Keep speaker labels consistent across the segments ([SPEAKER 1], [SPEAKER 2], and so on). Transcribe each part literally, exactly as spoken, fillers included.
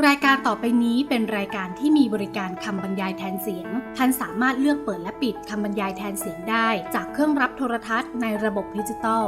[SPEAKER 1] รายการต่อไปนี้เป็นรายการที่มีบริการคำบรรยายแทนเสียงท่านสามารถเลือกเปิดและปิดคำบรรยายแทนเสียงได้จากเครื่องรับโทรทัศน์ในระบบดิจิตอล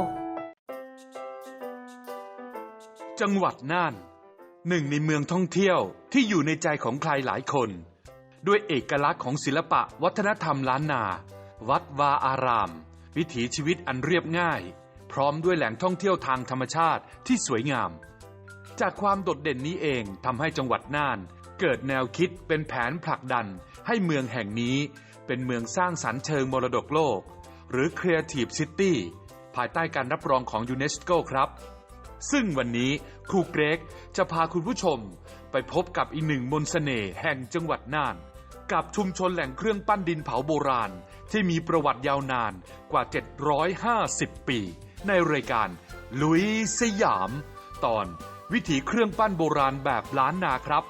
[SPEAKER 2] จังหวัดน่านหนึ่งในเมืองท่องเที่ยวที่อยู่ในใจของใครหลายคนด้วยเอกลักษณ์ของศิลปะวัฒนธรรมล้านนาวัดวาอารามวิถีชีวิตอันเรียบง่ายพร้อมด้วยแหล่งท่องเที่ยวทางธรรมชาติที่สวยงามจากความโดดเด่นนี้เองทำให้จังหวัดน่านเกิดแนวคิดเป็นแผนผลักดันให้เมืองแห่งนี้เป็นเมืองสร้างสรรค์เชิงมรดกโลกหรือ Creative City ภายใต้การรับรองของยูเนสโกครับซึ่งวันนี้ครูเกรกจะพาคุณผู้ชมไปพบกับอีกหนึ่งมนต์เสน่ห์แห่งจังหวัดน่านกับชุมชนแหล่งเครื่องปั้นดินเผาโบราณที่มีประวัติยาวนานกว่าเจ็ดร้อยห้าสิบปีในรายการลุยสยามตอนวิถีเครื่องปั้นโบราณแบบล้านนาครับ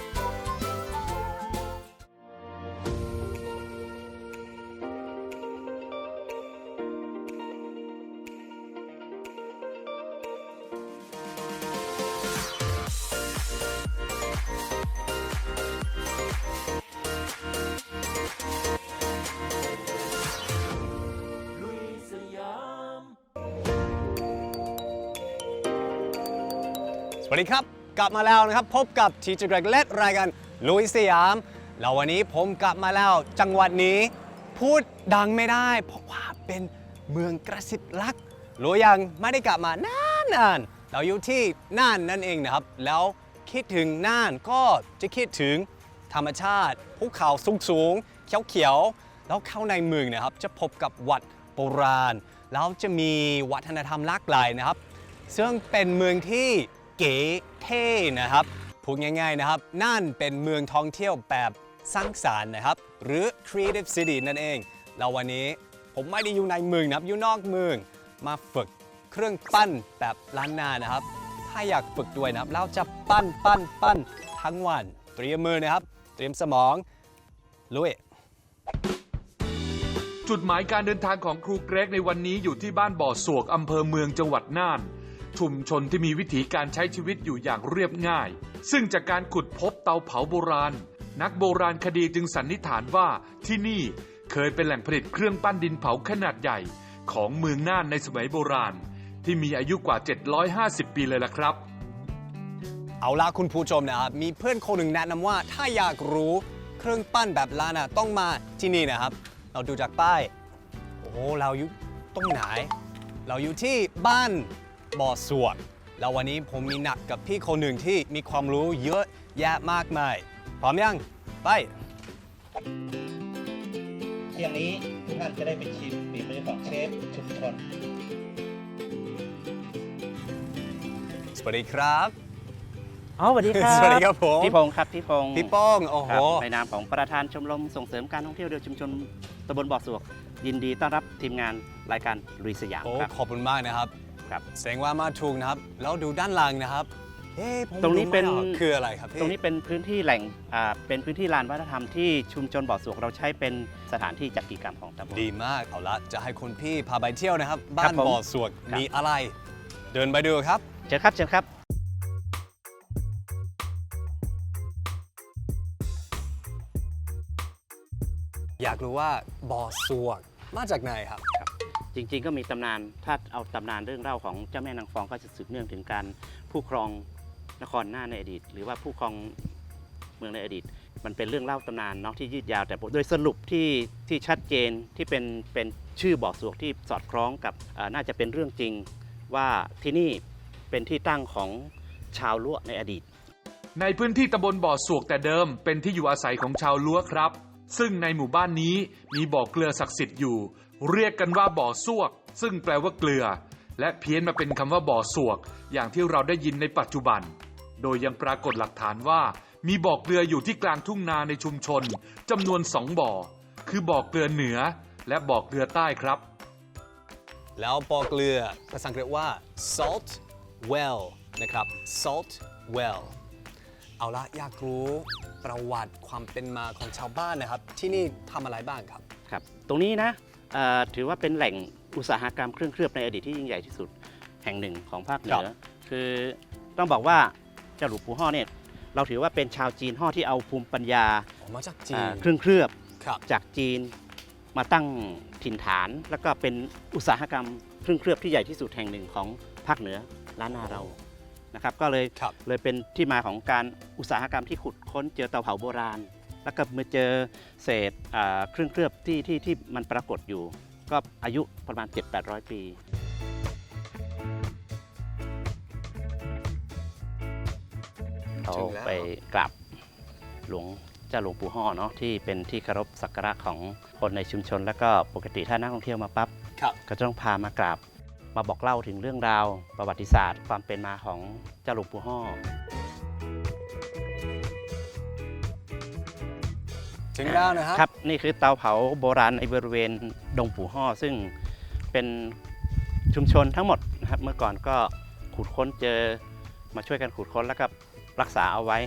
[SPEAKER 3] สวัสดีครับกลับมาแล้วนะครับพบกับทีเจอร์เกรกและรายการลุยสยามแล้ววันนี้ผมกลับมาแล้วจังหวัดนี้พูดดังไม่ได้เพราะว่าเป็นเมืองกระซิบรักรู้ยังไม่ได้กลับมานานๆเราอยู่ที่น่านนั่นเองนะครับแล้วคิดถึงน่านก็จะคิดถึงธรรมชาติภูเขาสูงๆเขียวๆแล้วเข้าในเมืองนะครับจะพบกับวัดโบราณแล้วจะมีวัฒนธรรมหลากหลายนะครับซึ่งเป็นเมืองที่เก๋เท่นะครับพูดง่ายๆนะครับน่านเป็นเมืองท่องเที่ยวแบบสร้างสรรค์นะครับหรือ Creative City นั่นเองแล้ววันนี้ผมไม่ได้อยู่ในเมืองนะครับอยู่นอกเมืองมาฝึกเครื่องปั้นแบบล้านนานะครับถ้าอยากฝึกด้วยนะครับเราจะปั้นปั้นปั้นทั้งวันเตรียมมือนะครับเตรียมสมองลุย
[SPEAKER 2] จุดหมายการเดินทางของครูเกรกในวันนี้อยู่ที่บ้านบ่อสวกอำเภอเมืองจังหวัดน่านชุมชนที่มีวิถีการใช้ชีวิตอยู่อย่างเรียบง่ายซึ่งจากการขุดพบเตาเผาโบราณนักโบราณคดีจึงสันนิษฐานว่าที่นี่เคยเป็นแหล่งผลิตเครื่องปั้นดินเผาขนาดใหญ่ของเมืองน่านในสมัยโบราณที่มีอายุกว่าเจ็ดร้อยห้าสิบปีเลยล่ะครับ
[SPEAKER 3] เอาล่ะคุณผู้ชมนะครับมีเพื่อนคนหนึ่งแนะนำว่าถ้าอยากรู้เครื่องปั้นแบบล้านนาต้องมาที่นี่นะครับเราดูจากป้ายโอ้เราอยู่ตรงไหนเราอยู่ที่บ้านบ่อสวกแล้ววันนี้ผมมีนัดกับพี่คนหนึ่งที่มีความรู้เยอะแยะมากมายพร้อมยังไป
[SPEAKER 4] เที่ยงนี้ทุกท่านจะได้ไปชิมฝีมือของเชฟชุมชน
[SPEAKER 3] สวัสดีครับ
[SPEAKER 5] อ๋อสวัสดีครับ
[SPEAKER 3] สวัสดีครับผม
[SPEAKER 5] พี่พงศ์ครับพี่พงศ์
[SPEAKER 3] พี่ป้องโอ้โห
[SPEAKER 5] ในนามของประธานชมรมส่งเสริมการท่องเที่ยวโดยชุมชนตำบลบ่อสวกยินดีต้อนรับทีมงานรายการลุยสยามครับ
[SPEAKER 3] ขอบคุณมากนะครับ
[SPEAKER 5] ครับ
[SPEAKER 3] แสดงว่ามาถูกนะครับแล้วดูด้านล่างนะครับ
[SPEAKER 5] ตรงนี้เป็น
[SPEAKER 3] คืออะไรครับ
[SPEAKER 5] ตรงนี้เป็นพื้นที่แหล่งอ่าเป็นพื้นที่ลานวัฒนธรรมที่ชุมชนบ่อสวกเราใช้เป็นสถานที่จัดกิจกรรมของตำบล
[SPEAKER 3] ดีมากเอาละจะให้คุณพี่พาไปเที่ยวนะครับบ้านบ่อสวกมีอะไรเดินไปดูครับ
[SPEAKER 5] เชิญครับเชิญครับ
[SPEAKER 3] อยากรู้ว่าบ่อสวกมาจากไหนครับ
[SPEAKER 5] จริงๆก็มีตำนานถ้าเอาตำนานเรื่องเล่าของเจ้าแม่นางฟองก็จะสืบเนื่องถึงการผู้ครองนครน่านในอดีตหรือว่าผู้ครองเมืองในอดีตมันเป็นเรื่องเล่าตำนานเนาะที่ยืดยาวแต่โดยสรุปที่ที่ชัดเจนที่เป็นเป็นชื่อบ่อสวกที่สอดคล้องกับน่าจะเป็นเรื่องจริงว่าที่นี่เป็นที่ตั้งของชาวล้วในอดีต
[SPEAKER 2] ในพื้นที่ตำบลบ่อสวกแต่เดิมเป็นที่อยู่อาศัยของชาวล้วครับซึ่งในหมู่บ้านนี้มีบ่อเกลือศักดิ์สิทธิ์อยู่เรียกกันว่าบ่อสวกซึ่งแปลว่าเกลือและเพี้ยนมาเป็นคำว่าบ่อสวกอย่างที่เราได้ยินในปัจจุบันโดยยังปรากฏหลักฐานว่ามีบ่อเกลืออยู่ที่กลางทุ่งนาในชุมชนจำนวนสองบ่อคือบ่อเกลือเหนือและบ่อเกลือใต้ครับ
[SPEAKER 3] แล้วบ่อเกลือภาษาอังกฤษว่า salt well นะครับ salt well เอาละอยากรู้ประวัติความเป็นมาของชาวบ้านนะครับที่นี่ทำอะไรบ้างครับ
[SPEAKER 5] ครับตรงนี้นะถือว่าเป็นแหล่งอุตสาหกรรมเครื่องเคลือบในอดีตที่ยิ่งใหญ่ที่สุดแห่งหนึ่งของภาคเหนือคือต้องบอกว่าเจ้าหลวงปู่ฮ่อเนี่ยเราถือว่าเป็นชาวจีนฮ่อที่เอาภูมิปัญญา
[SPEAKER 3] ออกมาจากจี
[SPEAKER 5] อ่าน เครื่องเคลือบ
[SPEAKER 3] ครับ
[SPEAKER 5] จากจีนมาตั้งถิ่นฐาน แล้วก็เป็นอุตสาหกรรมเครื่องเคลือบที่ใหญ่ที่สุดแห่งหนึ่งของภาคเหนือล้านนาเรานะครับก็เลย
[SPEAKER 3] ครับ
[SPEAKER 5] เลยเป็นที่มาของการอุตสาหกรรมที่ขุดค้นเจอเตาเผาโบราณ แล้วก็มาเจอเศษอ่าเครื่องเคลือบที่ที่ที่มันปรากฏอยู่ ก็อายุประมาณ เจ็ดถึงแปดร้อย ปี เรา
[SPEAKER 3] ถึงแล้ว
[SPEAKER 5] ไปกราบหลวงเจ้าหลวงปู่ฮ่อเนาะที่เป็นที่เคารพสักการะของคนในชุมชน แล้วก็ปกติถ้านักท่องเที่ยวมาปั๊บ
[SPEAKER 3] ครับ
[SPEAKER 5] ก็จะต้องพามากราบมาบอกเล่าถึงเรื่องราวประวัติศาสตร์ ความเป็นมาของเจ้าหลวงปู่ฮ่อ
[SPEAKER 3] ถึงแล้วนะครับ
[SPEAKER 5] ครับนี่คือเตาเผาโบราณในบริเวณดงปู่ฮ่อซึ่งเป็นชุมชนทั้งหมดนะครับเมื่อก่อนก็ขุดค้นเจอมาช่วยกันขุดค้นแล้วก็รักษาเอาไว้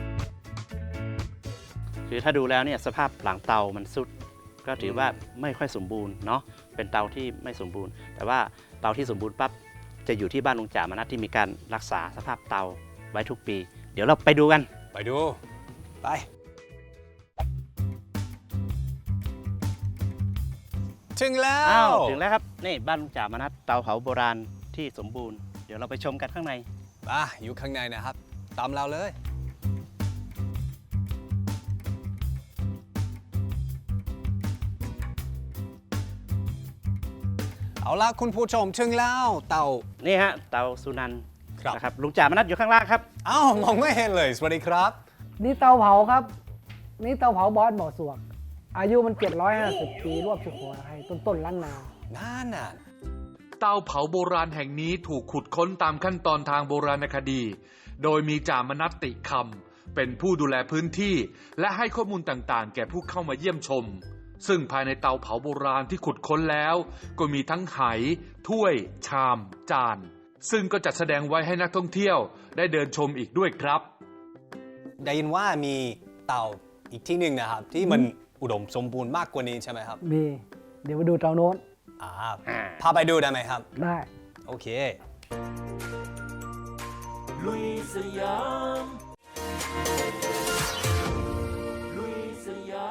[SPEAKER 5] คือถ้าดูแล้วเนี่ยสภาพหลังเตามันสุด ก็ถือว่าไม่ค่อยสมบูรณ์เนาะเป็นเตาที่ไม่สมบูรณ์ แต่ว่าเตาที่สมบูรณ์ปั๊บจะอยู่ที่บ้านลุงจ่ามนัสที่มีการรักษาสภาพเตาไว้ทุกปี เดี๋ยวเราไปดูกัน
[SPEAKER 3] ไปดู ไป ถึงแล้ว
[SPEAKER 5] อ้าวถึงแล้วครับนี่บ้านลุงจ่ามนัสเตาเผาโบราณที่สมบูรณ์เดี๋ยวเราไปชมกันข้างใน
[SPEAKER 3] อ่ะอยู่ข้างในนะครับ ตามเราเลย เอาละคุณผู้ชมถึงแล้วเต่า
[SPEAKER 5] นี่ฮะเตาสุนันท์
[SPEAKER 3] ครับ
[SPEAKER 5] นะครับลุงจ่ามนัสอยู่ข้างล่างครับ
[SPEAKER 3] เอ้ามองไม่เห็นเลย สวัสดีครับ
[SPEAKER 6] นี่เตาเผาครับ นี่เตาเผาบอสบ่อสวก อายุมัน เจ็ดร้อยห้าสิบ ปีรวบสุโขทัยต้นต้นล้านนา
[SPEAKER 3] นั่นน่ะ
[SPEAKER 2] เตาเผาโบราณแห่งนี้ถูกขุดค้นตามขั้นตอนทางโบราณคดี โดยมีจ่ามนัสติคำเป็นผู้ดูแลพื้นที่ และให้ข้อมูลต่างๆ แก่ผู้เข้ามาเยี่ยมชม ซึ่งภายในเตาเผาโบราณที่ขุดค้นแล้ว ก็มีทั้งไหถ้วย ชาม จาน ซึ่งก็จัดแสดงไว้ให้นักท่องเที่ยวได้เดินชมอีกด้วยครับ
[SPEAKER 3] ได้ยินว่ามีเต่าอีกที่หนึ่งนะครับ ที่มันอุดมสมบูรณ์มากกว่านี้ใช่ไหมครับ
[SPEAKER 6] มี เดี๋ยวไปดูเตาโน้น
[SPEAKER 3] อ่า
[SPEAKER 5] อ่า
[SPEAKER 3] พาไปดูได้ไหมครับ
[SPEAKER 6] ได้
[SPEAKER 3] โอเค
[SPEAKER 7] ลุยสยามลุยสยาม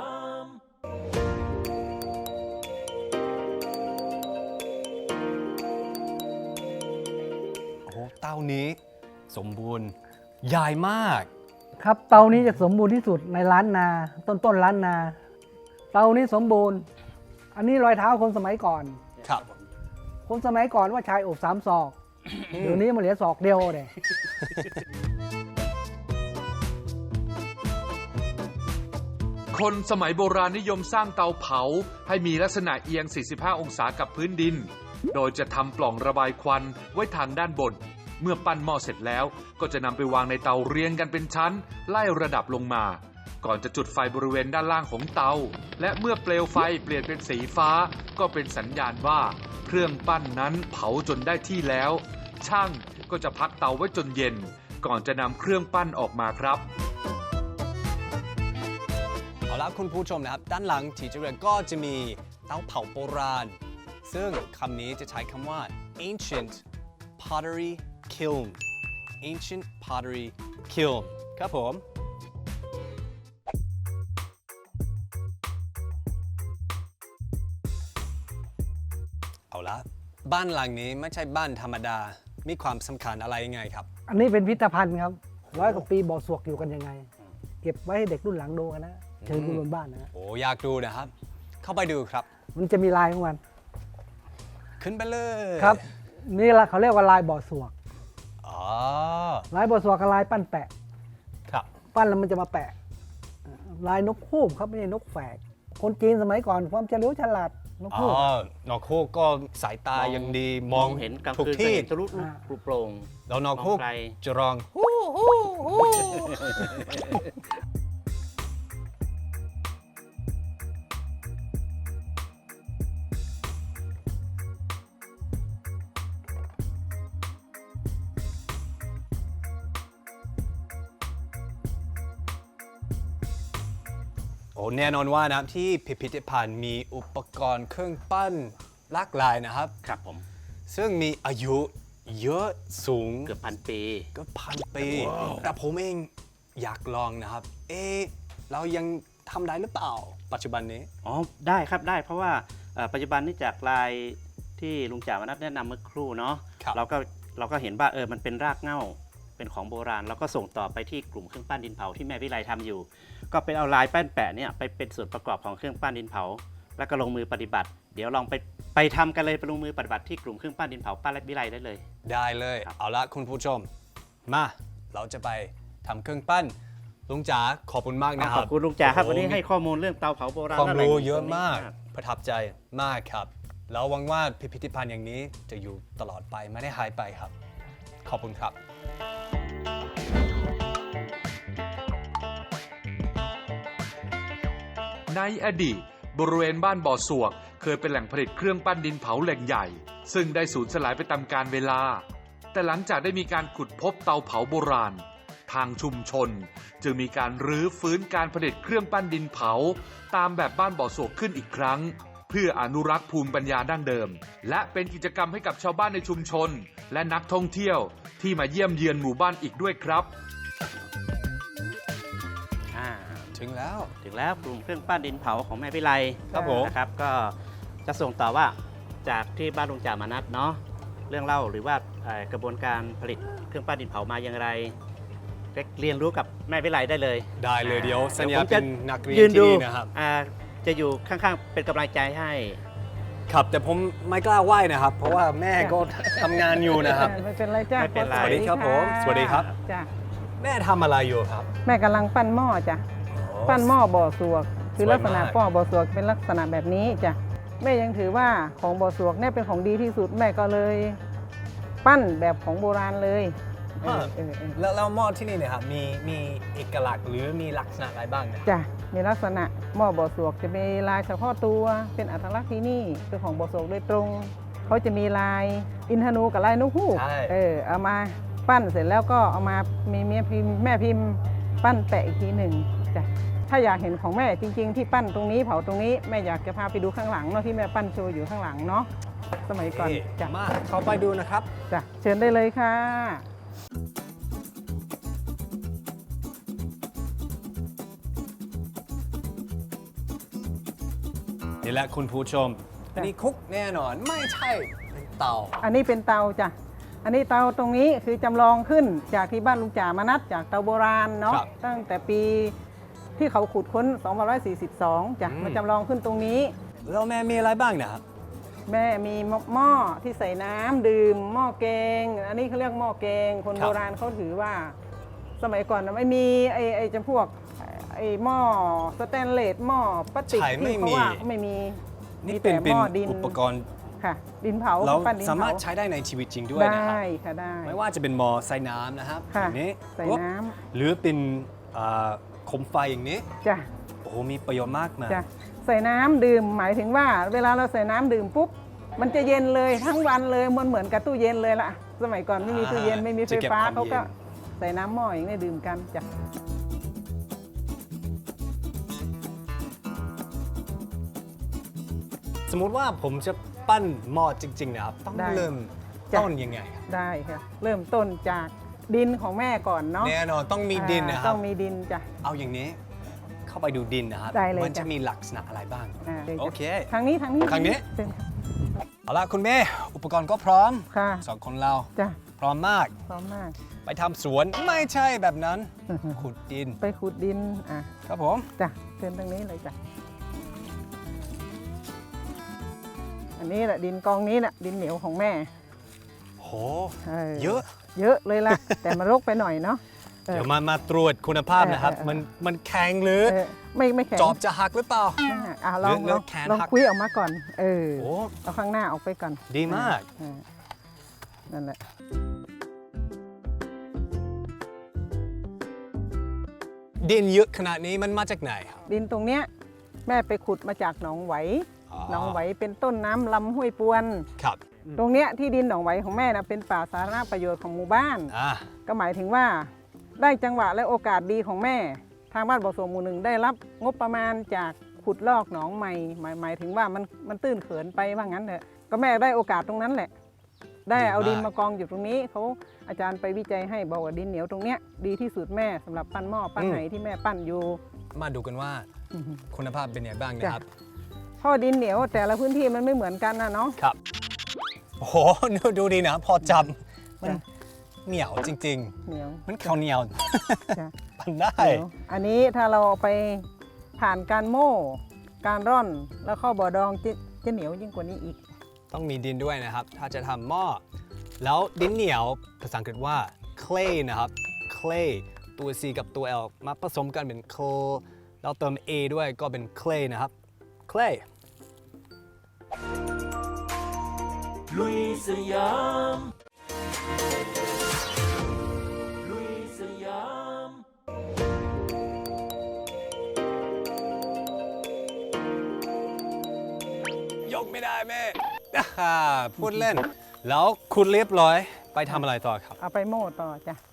[SPEAKER 3] โอ้โหเต้านี้สมบูรณ์ใหญ่มาก
[SPEAKER 6] ครับเตานี้จะสมบูรณ์ที่สุดในล้านนา ต้นต้นล้านนา เตานี้สมบูรณ์ อันนี้รอยเท้าคนสมัยก่อน
[SPEAKER 3] ครับ
[SPEAKER 6] คนสมัยก่อนว่าชายอกสามศอก เดี๋ยวนี้มันเหลือศอกเดียวเลย
[SPEAKER 2] คนสมัยโบราณนิยมสร้างเตาเผาให้มีลักษณะเอียง สี่สิบห้า องศากับพื้นดิน โดยจะทำปล่องระบายควันไว้ทางด้านบน เมื่อปั้นหม้อเสร็จแล้ว ก็จะนำไปวางในเตาเรียงกันเป็นชั้น ไล่ระดับลงมา ก่อนจะจุดไฟบริเวณด้านล่างของเตา และเมื่อเปลวไฟเปลี่ยนเป็นสีฟ้า ก็เป็นสัญญาณว่า เครื่องปั้นนั้นเผาจนได้ที่แล้ว ช่างก็จะพักเตาไว้จนเย็น ก่อนจะนำเครื่องปั้นออกมาครับ
[SPEAKER 3] เอาละคุณผู้ชมนะครับ ด้านหลังที่จะเรียนก็จะมีเตาเผาโบราณ ซึ่งคำนี้จะใช้คำว่า ancient pottery kiln ancient pottery kiln ครับผม เอาละบ้านหลังนี้ไม่ใช่บ้านธรรมดา มีความสำคัญอะไรยังไงครับ
[SPEAKER 6] อันนี้เป็นพิพิธภัณฑ์ครับ ร้อยกว่าปีบ่อสวกอยู่กันยังไง เก็บไว้ให้เด็กรุ่นหลังดูกันนะ เชิญคุณบนบ้านนะ
[SPEAKER 3] โอ้อยากดูนะครับ เข้าไปดูครับ
[SPEAKER 6] มันจะมีลายของมัน
[SPEAKER 3] ขึ้นไปเลย
[SPEAKER 6] ครับ นี่ละเขาเรียกว่าลายบ่อสวก
[SPEAKER 3] อ๋อ
[SPEAKER 6] ลายบ่อสวกกับลายปั้นแปะ
[SPEAKER 3] ครับ
[SPEAKER 6] ปั้นแล้วมันจะมาแปะ ลายนกฮูกครับไม่ใช่นกแฝก คนจีนสมัยก่อนความเฉลียวฉลาดนก
[SPEAKER 3] อ๋อ
[SPEAKER 6] ฮูก
[SPEAKER 3] นกฮูกก็สายตายังดี ม
[SPEAKER 5] ม
[SPEAKER 3] อ
[SPEAKER 5] อง งเห็นกลาง
[SPEAKER 3] ทุก
[SPEAKER 5] คืนจะ
[SPEAKER 3] ที่
[SPEAKER 5] เห็นทะลุลูก
[SPEAKER 6] อ่า
[SPEAKER 5] ปลุกโปร่ง
[SPEAKER 3] แล้วนกฮูก
[SPEAKER 5] มองไกล
[SPEAKER 3] จะร้อง โอ้แน่นอนว่านะที่พิพิธภัณฑ์มีอุปกรณ์เครื่องปั้นหลากหลายนะครับ
[SPEAKER 5] ครับผม
[SPEAKER 3] ซึ่งมีอายุเยอะสูง
[SPEAKER 5] เกือบพันปี
[SPEAKER 3] ก็พันปี แต่ผมเองอยากลองนะครับ เอ๊ะเรายังทำได้หรือเปล่าปัจจุบันนี้
[SPEAKER 5] อ๋อได้ครับได้เพราะว่าเอ่อปัจจุบันนี่จากลายที่ลุงจ่ามนัสแนะนำเมื่อครู่เนาะ
[SPEAKER 3] ครับ
[SPEAKER 5] เราก็เราก็เห็นว่าเออมันเป็นรากเหง้าเป็นของโบราณแล้วก็ส่งต่อไปที่กลุ่มเครื่องปั้นดินเผาที่แม่วิไลทำอยู่ ก็เป็นเอาลายแป้นแปะเนี่ยไปเป็นส่วนประกอบของเครื่องปั้นดินเผา แล้วก็ลงมือปฏิบัติ เดี๋ยวลองไปไปทำกันเลยไปลงมือปฏิบัติที่กลุ่มเครื่องปั้นดินเผาป้าและวิไลได้เลย
[SPEAKER 3] ได้เลย
[SPEAKER 5] ครับ
[SPEAKER 3] เอาละคุณผู้ชม มาเราจะไปทำเครื่องปั้นลุงจ๋าขอบคุณมากนะค
[SPEAKER 5] ข
[SPEAKER 3] รั
[SPEAKER 5] อบบ คุณลุงจ่าครับ
[SPEAKER 3] โอ้โห
[SPEAKER 5] วันนี้ให้ข้อมูลเรื่องเตาเผาโบราณ
[SPEAKER 3] ความ
[SPEAKER 5] และแหล่ง
[SPEAKER 3] รู้เยอะ
[SPEAKER 5] ตรงนี้
[SPEAKER 3] มากประทับใจมากครับแล้วหวังว่าพิพิธภัณฑ์อย่างนี้จะอยู่ตลอดไปไม่ได้หายไปครับ ขอบคุณครับ
[SPEAKER 2] ในอดีตบริเวณบ้านบ่อสวกเคยเป็นแหล่งผลิตเครื่องปั้นดินเผาแหล่งใหญ่ ซึ่งได้สูญสลายไปตามกาลเวลา แต่หลังจากได้มีการขุดพบเตาเผาโบราณ ทางชุมชน จึงมีการรื้อฟื้นการผลิตเครื่องปั้นดินเผา ตามแบบบ้านบ่อสวกขึ้นอีกครั้ง เพื่ออนุรักษ์ภูมิปัญญาดั้งเดิม และเป็นกิจกรรมให้กับชาวบ้านในชุมชน และนักท่องเที่ยวที่มาเยี่ยมเยือนหมู่บ้านอีกด้วยครับ
[SPEAKER 5] อ่า
[SPEAKER 3] ถึงแล้ว
[SPEAKER 5] ถึงแล้วกลุ่มเครื่องปั้นดินเผาของแม่วิไล
[SPEAKER 3] ครับผม
[SPEAKER 5] นะครับก็จะส่งต่อว่าจากที่บ้านลุงจ่ามานัดเนาะเรื่องเล่าหรือว่าเอ่อกระบวนการผลิตเครื่องปั้นดินเผามาอย่างไรเรียนรู้กับแม่วิไลได้เลย
[SPEAKER 3] ได้เลยเดี๋ยวสัญญา
[SPEAKER 5] ผม
[SPEAKER 3] เป็
[SPEAKER 5] จะ
[SPEAKER 3] นนักเรียน
[SPEAKER 5] ยืน
[SPEAKER 3] ที่
[SPEAKER 5] ดู
[SPEAKER 3] นี่นะครับ
[SPEAKER 5] อ่าจะอยู่ข้างๆเป็นกำลังใจให้
[SPEAKER 3] ครับแต่ผมไม่กล้าไหว้นะครับ เพราะว่าแม่ก็ทำงานอยู่นะครับ
[SPEAKER 8] ไม่เป็นไรจ้า
[SPEAKER 5] ไม่เป็นไร
[SPEAKER 3] สวัสดีครับผมสวัสดีครับ
[SPEAKER 8] จ้า
[SPEAKER 3] แม่ทำอะไรอยู่ครับ
[SPEAKER 8] แม่กำลังปั้นหม้อจ้ะปั้นหม้อบ่อสวก คือ
[SPEAKER 3] สวยมาก
[SPEAKER 8] ลักษณะป้อบ่อสวกเป็นลักษณะแบบนี้จ้ะแม่ยังถือว่าของบ่อสวกเนี่ยเป็นของดีที่สุดแม่ก็เลย ปั้นแบบของโบราณเลยเออเออเออ
[SPEAKER 3] แล้วแล้วหม้อที่นี่เนี่ยครับมีมีเอกลักษณ์หรือมีลักษณะอะไรบ้างเนี่ย
[SPEAKER 8] จ้ะมีลักษณะหม้อบ่อสวกจะมีลายเฉพาะตัวเป็นอัตลักษณ์ที่นี่คือของบ่อสวกโดยตรงเขาจะมีลายอินทนูกับลายนกฮูก
[SPEAKER 3] ใช่
[SPEAKER 8] เออเอามาปั้นเสร็จแล้วก็เอามามีเมียพิมพ์แม่พิมพ์ปั้นแปะอีกทีหนึ่งจ้ะถ้าอยากเห็นของแม่จริง ๆ ที่ปั้นตรงนี้เผาตรงนี้แม่อยากจะพาไปดูข้างหลังเนาะที่แม่ปั้นโชว์อยู่ข้างหลังเนาะสมัยก่อน
[SPEAKER 3] เอ๊ะ
[SPEAKER 8] จ้ะ
[SPEAKER 3] มาเข้าไปดูนะครับ
[SPEAKER 8] จ้ะเชิญได้เลยค่ะ
[SPEAKER 3] นี่แหละคุณผู้ชม อันนี้คุกแน่นอนไม่ใช่เป็นเตา
[SPEAKER 8] อันนี้เป็นเตาจ้ะอันนี้เตาตรงนี้คือจำลองขึ้นจากที่บ้านลุงจ่ามานัดจากเตาโบราณเนาะ
[SPEAKER 3] ครับ
[SPEAKER 8] ตั้งแต่ปีที่เขาขุดค้นสองพันห้าร้อยสี่สิบสองจ้ะ
[SPEAKER 3] อืม
[SPEAKER 8] มาจำลองขึ้นตรงนี้
[SPEAKER 3] แล้วแม่มีอะไรบ้างนะครับ
[SPEAKER 8] แม่มีหม้อที่ใส่น้ำดื่มหม้อแกง อันนี้เขาเรียกหม้อแกง คน
[SPEAKER 3] ครับ
[SPEAKER 8] โบราณเขาถือว่า สมัยก่อนน่ะไม่มีไอ้ไอ้จำพวกไอ้หม้อสแตนเลสหม้อพลาสติก
[SPEAKER 3] ใช่ไม่
[SPEAKER 8] ที่เขา
[SPEAKER 3] มี
[SPEAKER 8] ว่าไม่มี
[SPEAKER 3] นี่
[SPEAKER 8] มี
[SPEAKER 3] เป็น
[SPEAKER 8] แต่
[SPEAKER 3] เป็
[SPEAKER 8] ห
[SPEAKER 3] น
[SPEAKER 8] ม้อดิน
[SPEAKER 3] อุปกรณ์
[SPEAKER 8] ค่ะ ดินเผา
[SPEAKER 3] เรา
[SPEAKER 8] ปั้นดิน
[SPEAKER 3] สามารถ
[SPEAKER 8] เผ
[SPEAKER 3] ใช้ได้ในชีวิตจริงด้วยนะครับ
[SPEAKER 8] ได้ค่ะได้
[SPEAKER 3] ไม่ว่าจะเป็นหม้อใส่น้ำนะครับ
[SPEAKER 8] ค่ะ
[SPEAKER 3] อย่างนี้
[SPEAKER 8] ใส่
[SPEAKER 3] ปุ๊บ
[SPEAKER 8] น้ำ
[SPEAKER 3] หรือเป็นอ่าโคมไฟอย่างนี้
[SPEAKER 8] จ้ะ
[SPEAKER 3] โอ้โหมีประโยชน์มากมาย
[SPEAKER 8] จ้ะใส่น้ำดื่มหมายถึงว่า เวลาเราใส่น้ำดื่มปุ๊บมันจะเย็นเลยทั้งวันเลยมันเหมือนกับตู้เย็นเลยล่ะ สมัยก่อนไม่มีตู้เย็นไม่มีไฟ
[SPEAKER 3] จะเก็บ
[SPEAKER 8] ฟ้า
[SPEAKER 3] ความ
[SPEAKER 8] เขาก็
[SPEAKER 3] เย็น
[SPEAKER 8] ใส่น้ำหม้ออย่างนี้ดื่มกันจ้ะ
[SPEAKER 3] สมมุติว่าผมจะปั้นหม้อจริงๆนะครับต้อง
[SPEAKER 8] ได้
[SPEAKER 3] เริ่ม
[SPEAKER 8] จ้ะ
[SPEAKER 3] ต้นยังไงครับ
[SPEAKER 8] ได้ค่ะเริ่มต้นจากดินของแม่ก่อนเนาะ
[SPEAKER 3] แน่นอนต้องมีดินนะค
[SPEAKER 8] อ่า
[SPEAKER 3] รั
[SPEAKER 8] ต้
[SPEAKER 3] บ
[SPEAKER 8] องมีดินจ้ะ
[SPEAKER 3] เอาอย่างนี้เข้าไปดูดินนะครับ
[SPEAKER 8] ได้เลย
[SPEAKER 3] มันจะ
[SPEAKER 8] จ้ะ
[SPEAKER 3] มีลักษณะอะไรบ้าง
[SPEAKER 8] อ่าดี๋ยว
[SPEAKER 3] โอ
[SPEAKER 8] จ้ะ
[SPEAKER 3] เค
[SPEAKER 8] ทางนี้ทางนี้
[SPEAKER 3] ทางนี้
[SPEAKER 8] เชิญค่ะ
[SPEAKER 3] เอาละคุณแม่อุปกรณ์ก็พร้อม
[SPEAKER 8] ค่ะ
[SPEAKER 3] สองคนเรา
[SPEAKER 8] จ้ะ
[SPEAKER 3] พร้อมมาก
[SPEAKER 8] พร้อมมาก
[SPEAKER 3] ไปทำสวนไม่ใช่แบบนั้น ขุดดิน
[SPEAKER 8] ไปขุดดินอ่ะ
[SPEAKER 3] ครับผม
[SPEAKER 8] จ้ะเชิญทางนี้เลยจ้ะอันนี้แหละดินกองนี้แหละดินเหนียวของแม่
[SPEAKER 3] โห
[SPEAKER 8] เออ
[SPEAKER 3] เยอะ
[SPEAKER 8] เยอะเลยล่ะ แต่มันรกไปหน่อยเนาะเออ
[SPEAKER 3] เดี๋ยวมามาตรวจคุณภาพนะครับ
[SPEAKER 8] เออเออ
[SPEAKER 3] มันมันแข็งหรือ
[SPEAKER 8] เออไม่ไม่แข็ง
[SPEAKER 3] จอบจะหักหรือเปล่า
[SPEAKER 8] ไม่หักอ่ะลอง
[SPEAKER 3] เลื
[SPEAKER 8] ล
[SPEAKER 3] อ
[SPEAKER 8] อก ง
[SPEAKER 3] แขน
[SPEAKER 8] ลอง
[SPEAKER 3] หัก
[SPEAKER 8] คุยออกมาก่อน เออ
[SPEAKER 3] โอ้
[SPEAKER 8] เอาข้างหน้าออกไปก่อน
[SPEAKER 3] ดีมาก
[SPEAKER 8] เออนั่นแหละ
[SPEAKER 3] ดินเยอะขนาดนี้มันมาจากไหนครับ
[SPEAKER 8] ดินตรงเนี้ยแม่ไปขุดมาจากหนองไหว หนองไหวเป็นต้นน้ำลำห้วยปวน
[SPEAKER 3] ครับ
[SPEAKER 8] ตรงเนี้ยที่ดินหนองไหวของแม่นะเป็นป่าสาธารณประโยชน์ของหมู่บ้าน
[SPEAKER 3] อ่า
[SPEAKER 8] ก็หมายถึงว่าได้จังหวะและโอกาสดีของแม่ ทางบ้านบ่อสวงหมู่หนึ่งได้รับงบประมาณจากขุดลอกหนองใหม่หมายหมายถึงว่ามันมันตื้นเขินไปว่างั้นเถอะก็แม่ได้โอกาสตรงนั้นแหละได้เอาดิน
[SPEAKER 3] ดีมาก
[SPEAKER 8] มากองอยู่ตรงนี้เขาอาจารย์ไปวิจัยให้บอกว่าดินเหนียวตรงเนี้ยดีที่สุดแม่สำหรับปั้นหม้อปั้นไหที่แม่ปั้นอยู่
[SPEAKER 3] มาดูกันว่า
[SPEAKER 8] อือฮึ
[SPEAKER 3] คุณภาพเป็นยังไงบ้างนะครับ
[SPEAKER 8] เพราะดินเหนียวแต่ละพื้นที่มันไม่เหมือนกันนะเนาะ
[SPEAKER 3] ครับ โอ้โห ดูดีนะ พอจับมัน
[SPEAKER 8] จ้ะ
[SPEAKER 3] เหนียวจริง
[SPEAKER 8] เหนียว
[SPEAKER 3] ๆ มันข้าวเหนียว
[SPEAKER 8] จ้ะ
[SPEAKER 3] ปั่นได้
[SPEAKER 8] เหนียวอันนี้ถ้าเราเอาไปผ่านการโม่ การร่อนแล้วเข้าบ่อดองจะจะเหนียวยิ่งกว่านี้อีก
[SPEAKER 3] ต้องมีดินด้วยนะครับ ถ้าจะทำหม้อ แล้วดินเหนียวภาษาอังกฤษว่า clay นะครับ clay ตัว C กับตัว L มาผสมกันเป็น clay แล้วเติม A ด้วยก็เป็น clay นะครับ clay
[SPEAKER 7] ลุยสยาม ลุยสยาม
[SPEAKER 3] ยกไม่ได้แม่ อ่าพูดเล่น แล้วคุณเรียบร้อยไปทำอะไรต่อครับ
[SPEAKER 8] เอาไปโม่ต่อจ้ะ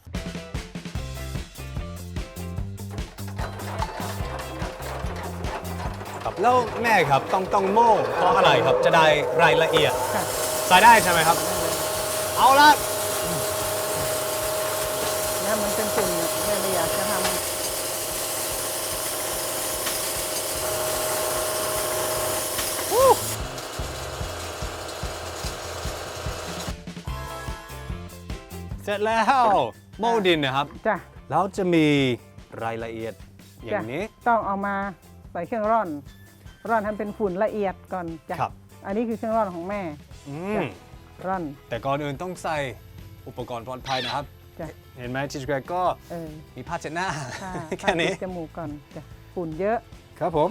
[SPEAKER 3] ครับแล้วแม่ครับต้องต้องโม่เพราะอะไรครับจะได้รายละเอียด
[SPEAKER 8] ค่ะ
[SPEAKER 3] ใส่ได้ใช่ไหมครับ เอาละ
[SPEAKER 8] แล้วมันเป็นฝุ่นเนี่ยแม่ไม่อยากจะทำ
[SPEAKER 3] เสร็จแล้วโม่ดินนะครับ
[SPEAKER 8] จ้ะ
[SPEAKER 3] แล้วจะมีรายละเอียดอย่างนี้
[SPEAKER 8] จ้ะต้องเอามาใส่เครื่องร่อน ร่อนให้เป็นฝุ่นละเอียดก่อนจ้ะ
[SPEAKER 3] ครับ
[SPEAKER 8] อันนี้คือเครื่องร่อนของแม่
[SPEAKER 3] อื
[SPEAKER 8] จ้ะ
[SPEAKER 3] ม
[SPEAKER 8] ร่อน
[SPEAKER 3] แต่ก่อนอื่นต้องใส่อุปกรณ์ปลอดภัยนะครับ
[SPEAKER 8] จ้ะ
[SPEAKER 3] เห็นไหมจิตรแกรกก็
[SPEAKER 8] เออ
[SPEAKER 3] มีผ้าเช็ดหน้า
[SPEAKER 8] ถ้า
[SPEAKER 3] แค่นี้
[SPEAKER 8] ถ้าปิดจมูกก่อนจ้ะฝุ่นเยอะ
[SPEAKER 3] ครับผม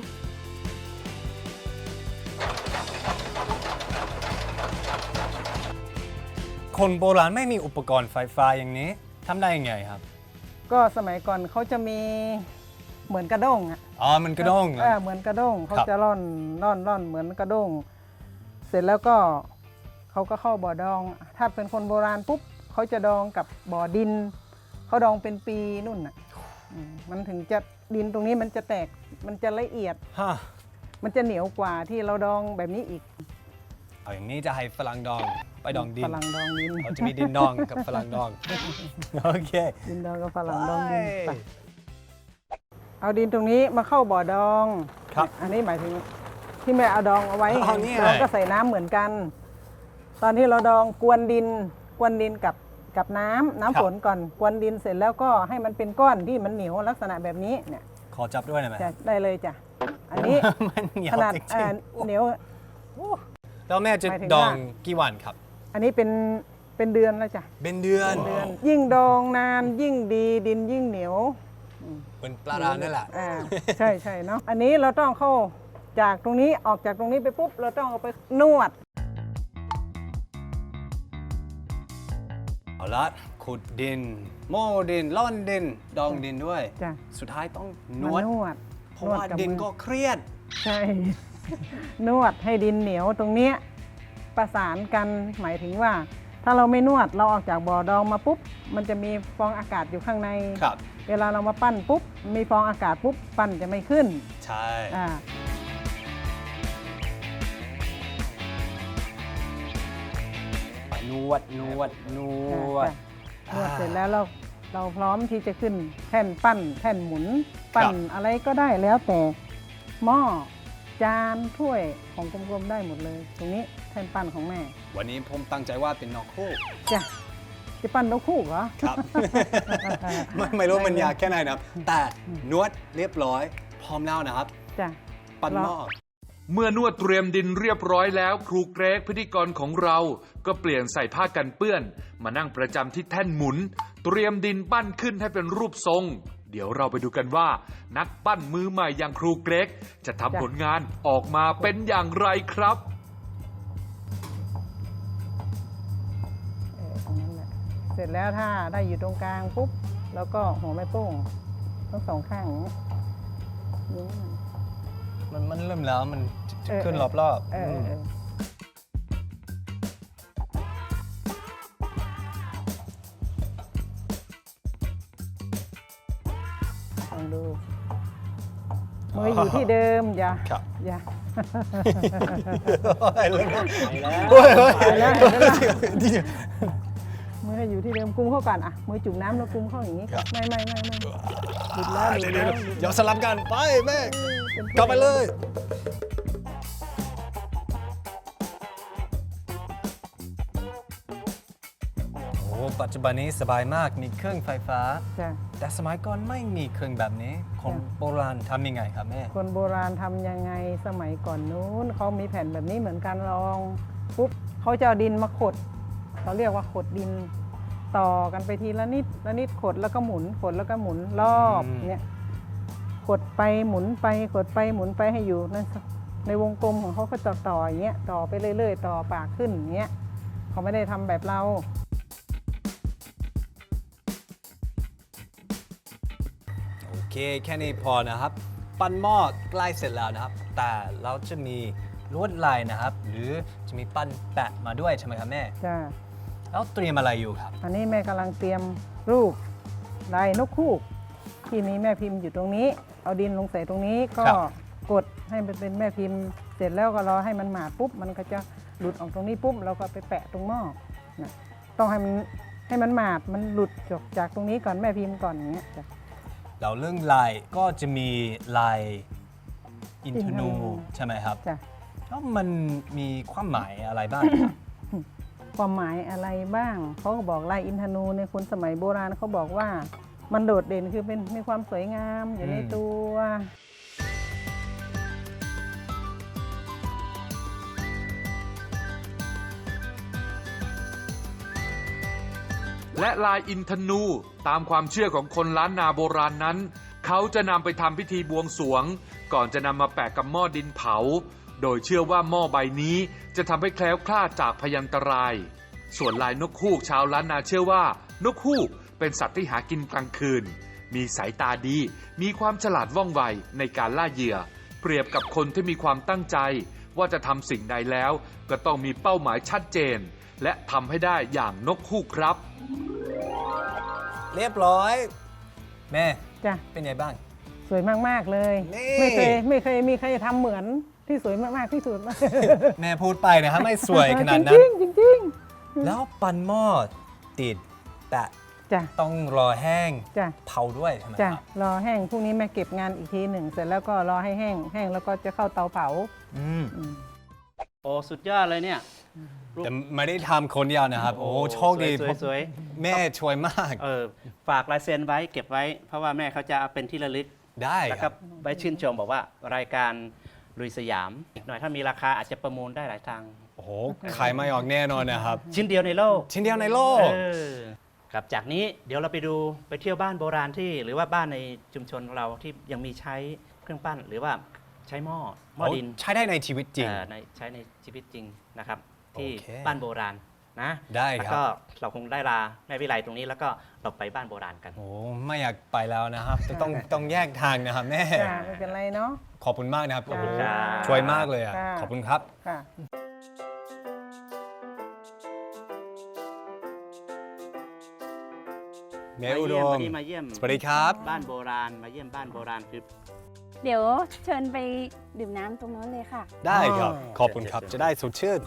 [SPEAKER 3] คนโบราณไม่มีอุปกรณ์ไฟฟ้าอย่างนี้ทำได้ยังไงครับ
[SPEAKER 8] ก็สมัยก่อนเขาจะมีเหมือนกระด้งอ่ะ
[SPEAKER 3] อ๋อ มันกระด้งเหรอ
[SPEAKER 8] เออเหมือนกระด้งเขา
[SPEAKER 3] ครับ
[SPEAKER 8] จะร่อนร่อนร่อนเหมือนกระด้ง เสร็จแล้วก็เขาก็เข้าบ่อดอง ถ้าเป็นคนโบราณปุ๊บเขาจะดองกับบ่อดินเขาดองเป็นปีนู่นน่ะอืมมันถึงจะดินตรงนี้มันจะแตกมันจะละเอียด
[SPEAKER 3] ฮะ
[SPEAKER 8] มันจะเหนียวกว่าที่เราดองแบบนี้อีก
[SPEAKER 3] เอาอย่างนี้จะให้ฝรั่งดองไปดองดิน
[SPEAKER 8] ฝรั่งดองดิน
[SPEAKER 3] เราจะมีดินดองกับฝรั่งดอง โอเค
[SPEAKER 8] ดินดองกับฝรั่งดองดิน
[SPEAKER 3] ไป
[SPEAKER 8] ไปเอาดินตรงนี้มาเข้าบ่อดอง
[SPEAKER 3] ครับ
[SPEAKER 8] อันนี้หมายถึงที่แม่เอาดองเอาไว้
[SPEAKER 3] อ๋อนี่ไง
[SPEAKER 8] เราก็ใส่น้ำเหมือนกัน ตอนที่เราดองกวนดินกวนดินกับกับน้ำน้ำฝนก่อนกวนดินเสร็จแล้วก็ให้มันเป็นก้อนที่มันเหนียวลักษณะแบบนี้เนี่ย
[SPEAKER 3] ขอจับด้วยหน่อยไหม
[SPEAKER 8] จะได้เลยจ้ะอันนี้
[SPEAKER 3] มันเหนียว
[SPEAKER 8] ขนาด
[SPEAKER 3] จริ
[SPEAKER 8] อ่าง เหนียว
[SPEAKER 3] ๆแล้วแม่จะ
[SPEAKER 8] หมายถึง
[SPEAKER 3] ดอง
[SPEAKER 8] ว่า
[SPEAKER 3] กี่วันครับ
[SPEAKER 8] อันนี้เป็นเป็นเดือนแล้วจ้ะ
[SPEAKER 3] เป็นเดือน
[SPEAKER 8] เดือน ยิ่งดองนานยิ่งดีดินยิ่งเหนียว
[SPEAKER 3] เหมือนปลาร้านั่นแหละ
[SPEAKER 8] อ่าใช่ใช่เนาะอันนี้เราต้องเข้าจากตรงนี้ออกจากตรงนี้ไปปุ๊บเราต้องเอาไปนวด
[SPEAKER 3] เอาละขุดดิน โม่ดินล่อนดิน ดองดินด้วย
[SPEAKER 8] จ้ะ
[SPEAKER 3] สุดท้ายต้องน
[SPEAKER 8] มาว
[SPEAKER 3] ด
[SPEAKER 8] นวด
[SPEAKER 3] เพราะว่า
[SPEAKER 8] บ
[SPEAKER 3] ดิน
[SPEAKER 8] มือ
[SPEAKER 3] ก็เครียด
[SPEAKER 8] ใช่ นวดให้ดินเหนียวตรงเนี้ยประสานกันหมายถึงว่า ถ้าเราไม่นวดเราออกจากบ่อดองมาปุ๊บมันจะมีฟองอากาศอยู่ข้างใน
[SPEAKER 3] ครับ
[SPEAKER 8] เวลาเรามาปั้นปุ๊บมีฟองอากาศปุ๊บปั้นจะไม่ขึ้น
[SPEAKER 3] ใช่
[SPEAKER 8] อ่า
[SPEAKER 3] นวด นวด นวด
[SPEAKER 8] นวดเสร็จแล้วเราเราพร้อมที่จะขึ้นแท่นปั้นแท่นหมุน ปั้นอะไรก็ได้แล้วแต่หม้อจานถ้วยของกลมๆได้หมดเลย ตรงนี้แท่นปั้นของแม่
[SPEAKER 3] วันนี้ผมตั้งใจว่าเป็นนอกคู่
[SPEAKER 8] จ้ะจะปั้นนกคู่เหรอ
[SPEAKER 3] ครับ ไม่ไม่รู้มันยากแค่ไหนนะครับ แต่นวดเรียบร้อย พร้อมแล้วนะครับ
[SPEAKER 8] จ้ะ
[SPEAKER 3] ปั้นหม้อ
[SPEAKER 2] เมื่อนวดเตรียมดินเรียบร้อยแล้วครูเกรกพิธีกรของเราก็เปลี่ยนใส่ผ้ากันเปื้อน มานั่งประจำที่แท่นหมุน เตรียมดินปั้นขึ้นให้เป็นรูปทรง เดี๋ยวเราไปดูกันว่า นักปั้นมือใหม่อย่างครูเกรกจะทำผลงานออกมาเป็นอย่างไรครับ
[SPEAKER 8] เออตรงนั้นแหละเสร็จแล้วถ้าได้อยู่ตรงกลางปุ๊บแล้วก็หัวแม่โป้งทั้งสองข้างอย่างนี้นิ้วมัน
[SPEAKER 3] มันมันเริ่มแล้วมันจะ
[SPEAKER 8] เออ
[SPEAKER 3] ขึ้นรอบรอบๆ
[SPEAKER 8] เออเออเออลองดูมืออยู่ที่เดิมอย่า
[SPEAKER 3] ครับ
[SPEAKER 8] อย่า
[SPEAKER 3] ไปแล้ว
[SPEAKER 8] ไปแล้วมือให้อยู่ที่เดิมกุมเข้าก่อนอ่ะมือจุ่มน้ำแล้วกุมเข้าอย่างนี้ไม่ไม่ไม่ไม่หลุดแล้วหลุดแล้ว
[SPEAKER 3] เดี๋ยวสลับกันไปแม่กลับไปเลย โอ้ปัจจุบันนี้สบายมากมีเครื่องไฟฟ้า
[SPEAKER 8] จ้ะ
[SPEAKER 3] แต่สมัยก่อนไม่มีเครื่องแบบนี้คนโบราณทำยังไงครับแม่
[SPEAKER 8] คนโบราณทำยังไงสมัยก่อนนู้นเขามีแผ่นแบบนี้เหมือนกันลองปุ๊บเขาจะเอาดินมาขดเขาเรียกว่าขดดินต่อกันไปทีละนิดละนิดขดแล้วก็หมุนขดแล้วก็หมุนรอบ
[SPEAKER 3] อืม
[SPEAKER 8] เนี่ยขดไปหมุนไปขดไปหมุนไปให้อยู่ในในวงกลมของเขาก็จะต่ออย่างเงี้ยต่อไปเรื่อยๆต่อปากขึ้นอย่างเงี้ยเขาไม่ได้ทำแบบเรา
[SPEAKER 3] โอเคแค่นี้พอนะครับ ปั้นหม้อใกล้เสร็จแล้วนะครับ แต่เราจะมีลวดลายนะครับ หรือจะมีปั้นแปะมาด้วยใช่ไหมครับแม่
[SPEAKER 8] จ้า
[SPEAKER 3] แล้วเตรียมอะไรอยู่ครับ
[SPEAKER 8] อันนี้แม่กำลังเตรียมรูปลายนกฮูกที่มีแม่พิมพ์อยู่ตรงนี้ เอาดินลงใส่ตรงนี้ก็กดให้มันเป็นแม่พิมพ์ เสร็จแล้วก็รอให้มันหมาดปุ๊บมันก็จะหลุดออกตรงนี้ปุ๊บเราก็ไปแปะตรงหม้อนะต้องให้มันให้มันหมาดมันหลุดจบจากตรงนี้ก่อนแม่พิมพ์ก่อนอย่างเงี้ยจ้ะ
[SPEAKER 3] เราเรื่องลายก็จะมีลายอินทนู
[SPEAKER 8] อินทนู
[SPEAKER 3] ใช่ไหมครับ
[SPEAKER 8] จ้ะ
[SPEAKER 3] แล้วมันมีความหมายอะไรบ้าง
[SPEAKER 8] ความหมายอะไรบ้างเขาก็บอกลายอินทนูในคนสมัยโบราณเขาบอกว่ามันโดดเด่นคือเป็นมีความสวยงามอยู่ใน
[SPEAKER 3] อืม
[SPEAKER 8] ตัว
[SPEAKER 2] และลายอินทนูตามความเชื่อของคนล้านนาโบราณนั้น เขาจะนำไปทำพิธีบวงสรวง ก่อนจะนำมาแปะกับหม้อดินเผา โดยเชื่อว่าหม้อใบนี้จะทำให้แคล้วคลาดจากพยันตราย ส่วนลายนกฮูกชาวล้านนาเชื่อว่านกฮูกเป็นสัตว์ที่หากินกลางคืน มีสายตาดี มีความฉลาดว่องไวในการล่าเหยื่อ เปรียบกับคนที่มีความตั้งใจ ว่าจะทำสิ่งใดแล้ว ก็ต้องมีเป้าหมายชัดเจน และทำให้ได้อย่างนกฮูกครับ
[SPEAKER 3] เรียบร้อย แม่
[SPEAKER 8] จ้ะ
[SPEAKER 3] เป็นไงบ้าง
[SPEAKER 8] สวยมาก ๆ เลย
[SPEAKER 3] นี่
[SPEAKER 8] ไม่เคยไม่เคยมีใครทำเหมือนที่สวยมาก ๆ ที่สุด
[SPEAKER 3] แม่พูดไปนะครับ ไม่สวยขนาดนั้
[SPEAKER 8] จ
[SPEAKER 3] น
[SPEAKER 8] ริงๆจริง
[SPEAKER 3] แล้วปั้นหม้อติด แต่
[SPEAKER 8] ๆจ้ะ
[SPEAKER 3] ต้องรอแห้ง
[SPEAKER 8] จ้ะ
[SPEAKER 3] เผาด้วยใช่ไหม
[SPEAKER 8] จ้ะ
[SPEAKER 3] ครับ
[SPEAKER 8] รอแห้งพรุ่งนี้แม่เก็บงานอีกทีหนึ่งเสร็จแล้วก็รอให้แห้งแห้งแล้วก็จะเข้าเตาเผา
[SPEAKER 3] อืม
[SPEAKER 8] อืม
[SPEAKER 5] โอ้สุดยอดเลยเนี่ย
[SPEAKER 3] แต่ไม่ได้ทำคนเดียวนะครับ โอ้โชคดี
[SPEAKER 5] สวยๆสวย
[SPEAKER 3] แม่ช่วยมาก
[SPEAKER 5] เออฝากลายเซ็นไว้เก็บไว้ เพราะว่าแม่เขาจะเอาเป็นที่ระลึก
[SPEAKER 3] ได้
[SPEAKER 5] แล้ว
[SPEAKER 3] ค
[SPEAKER 5] ก็
[SPEAKER 3] รับ
[SPEAKER 5] ไว้ชื่นชมบอกว่ารายการลุยสยามอีกหน่อยถ้ามีราคาอาจจะประมูลได้หลายทาง
[SPEAKER 3] โอ้โหขายไม่ออกแน่นอนนะครับ
[SPEAKER 5] ชิ้นเดียวในโลก
[SPEAKER 3] ชิ้นเดียวในโลก
[SPEAKER 5] เออครับจากนี้เดี๋ยวเราไปดูไปเที่ยวบ้านโบราณที่ หรือว่าบ้านในชุมชนเราที่ยังมีใช้เครื่องปั้น หรือว่าใช้หม้อหม้อดิน
[SPEAKER 3] ใช้ได้ในชีวิตจริง
[SPEAKER 5] เอ่อในใช้ในชีวิตจริงนะครับ ที่
[SPEAKER 3] โอเค
[SPEAKER 5] บ้านโบราณนะ
[SPEAKER 3] ได้
[SPEAKER 5] แล้ว
[SPEAKER 3] ครับ
[SPEAKER 5] ก็เราคงได้ลาแม่วิไลตรงนี้แล้วก็เราไปบ้านโบราณกัน
[SPEAKER 3] โอ้ไม่อยากไปแล้วนะครับจะต้องต้องแยกทางนะครับแม่
[SPEAKER 8] จ้ะไม่เป็นไรเนาะ
[SPEAKER 3] ขอบคุณมากนะครับโอ้โห
[SPEAKER 5] จ้า
[SPEAKER 3] ช่วยมากเลยอ่ะ
[SPEAKER 8] จ้า
[SPEAKER 3] ขอบคุณครับ
[SPEAKER 8] ค่ะ
[SPEAKER 3] แม่อุดม
[SPEAKER 5] วันนี้มาเยี่ยม
[SPEAKER 3] สวัสดีครับ
[SPEAKER 5] บ้านโบราณมาเยี่ยมบ้านโบราณคือ
[SPEAKER 9] เดี๋ยวเชิญไปดื่มน้ำตรงนั้นเลยค่ะ
[SPEAKER 3] ได้ครับ
[SPEAKER 5] อ๋อ
[SPEAKER 3] ขอบคุณครับ
[SPEAKER 5] เชิญ
[SPEAKER 3] จะได้สดชื่น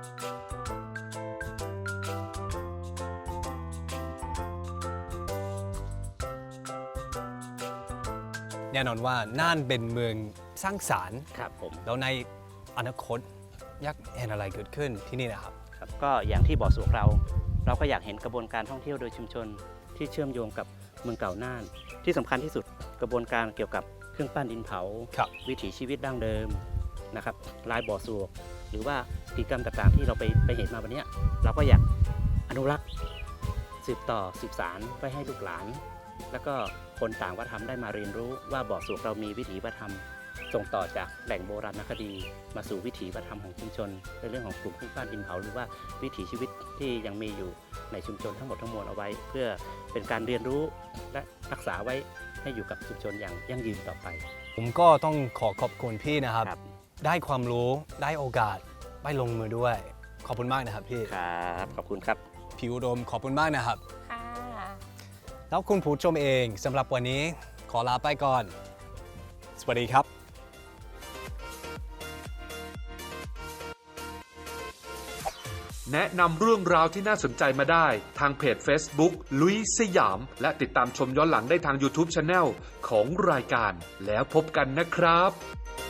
[SPEAKER 3] แน่นอนว่าน่านเป็นเมืองสร้างสรรค์
[SPEAKER 5] ครับผม
[SPEAKER 3] แล้วในอนาคตอยากเห็นอะไรเกิดขึ้นที่นี่นะครับ
[SPEAKER 5] ครับก็อย่างที่บอกสู่เรา เราก็อยากเห็นกระบวนการท่องเที่ยวโดยชุมชนที่เชื่อมโยงกับเมืองเก่าน่าน ที่สำคัญที่สุดกระบวนการเกี่ยวกับเครื่องปั้นดินเผา
[SPEAKER 3] ครับ
[SPEAKER 5] วิถีชีวิตดั้งเดิมนะครับลายบ่อสวกหรือว่ากิจกรรมต่างๆ ที่เราไปไปเห็นมาวันเนี้ยเราก็อยากอนุรักษ์สืบต่อสืบสารไว้ให้ลูกหลาน แล้วก็คนต่างวัฒนธรรมได้มาเรียนรู้ว่าบ่อสวกเรามีวิถีวัฒนธรรม ส่งต่อจากแหล่งโบราณคดี มาสู่วิถีวัฒนธรรมของชุมชนในเรื่องของกลุ่มเครื่องปั้นดินเผาหรือว่าวิถีชีวิตที่ยังมีอยู่ในชุมชนทั้งหมดทั้งมวลเอาไว้ เพื่อเป็นการเรียนรู้และรักษาไว้ให้อยู่กับชุมชนอย่างยั่งยืนต่อไป
[SPEAKER 3] ผมก็ต้องขอขอบคุณพี่นะครับ
[SPEAKER 5] ครับ
[SPEAKER 3] ได้ความรู้ได้โอกาสไปลงมือด้วย ขอบคุณมากนะครับพี่
[SPEAKER 5] ครับขอบคุณครับ
[SPEAKER 3] พี่อุดมขอบคุณมากนะครับ
[SPEAKER 9] ค่ะ
[SPEAKER 3] แล้วคุณผู้ชมเองสำหรับวันนี้ขอลาไปก่อน สวัสดีครับ
[SPEAKER 2] แนะนำเรื่องราวที่น่าสนใจมาได้ทางเพจ Facebook ลุยสยามและติดตามชมย้อนหลังได้ทาง YouTube Channel ของรายการแล้วพบกันนะครับ